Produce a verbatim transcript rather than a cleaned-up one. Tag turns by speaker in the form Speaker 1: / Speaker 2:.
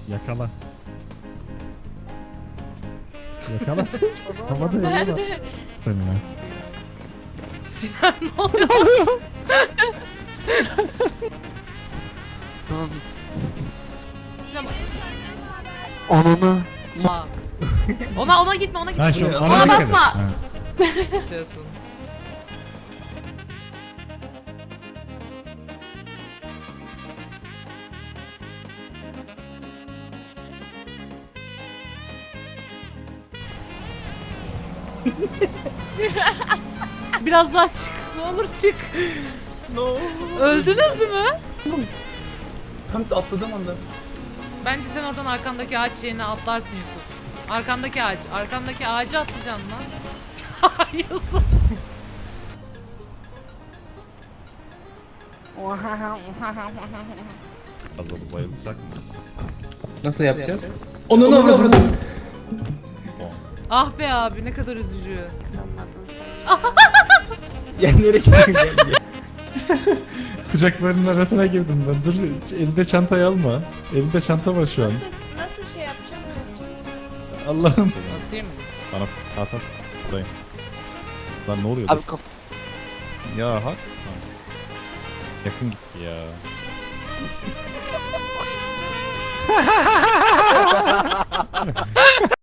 Speaker 1: Yakala. Yakala. Havada yakala. Seninle.
Speaker 2: Sinan ne oluyor? Sinan bak.
Speaker 3: Ananı.
Speaker 2: Aa. Ona ona gitme ona gitme.
Speaker 1: Ha şu
Speaker 2: Ona
Speaker 1: ona dikkat et.
Speaker 2: basma.
Speaker 1: Ha.
Speaker 2: Diyorsun. Biraz daha çık. Ne olur çık.
Speaker 4: Ne oldu?
Speaker 2: Öldünüz mü?
Speaker 4: Tam atladığım anda.
Speaker 2: Bence sen oradan arkandaki ağaç yerine atlarsın Yusuf. Arkandaki ağaç. Arkandaki ağacı atlayacaksın lan. Yusuf.
Speaker 1: Azal'ı bayılsak mı?
Speaker 4: Nasıl yapacağız? Onu ne avradın?
Speaker 2: Ah be abi ne kadar üzücü.
Speaker 4: Ya nereye gidiyorsun? Gel, gel.
Speaker 1: Kucaklarının arasına girdim ben. Dur elinde çantayı alma. Elinde çanta var şu an.
Speaker 5: Nasıl şey yapacağım?
Speaker 1: Allah'ım.
Speaker 2: Atayım mı?
Speaker 6: Bana at at. Buradayım. Lan ne oluyor?
Speaker 3: Abi
Speaker 6: Dur.
Speaker 3: kaf...
Speaker 6: Ya hak. Ha. Yakın gitti ya.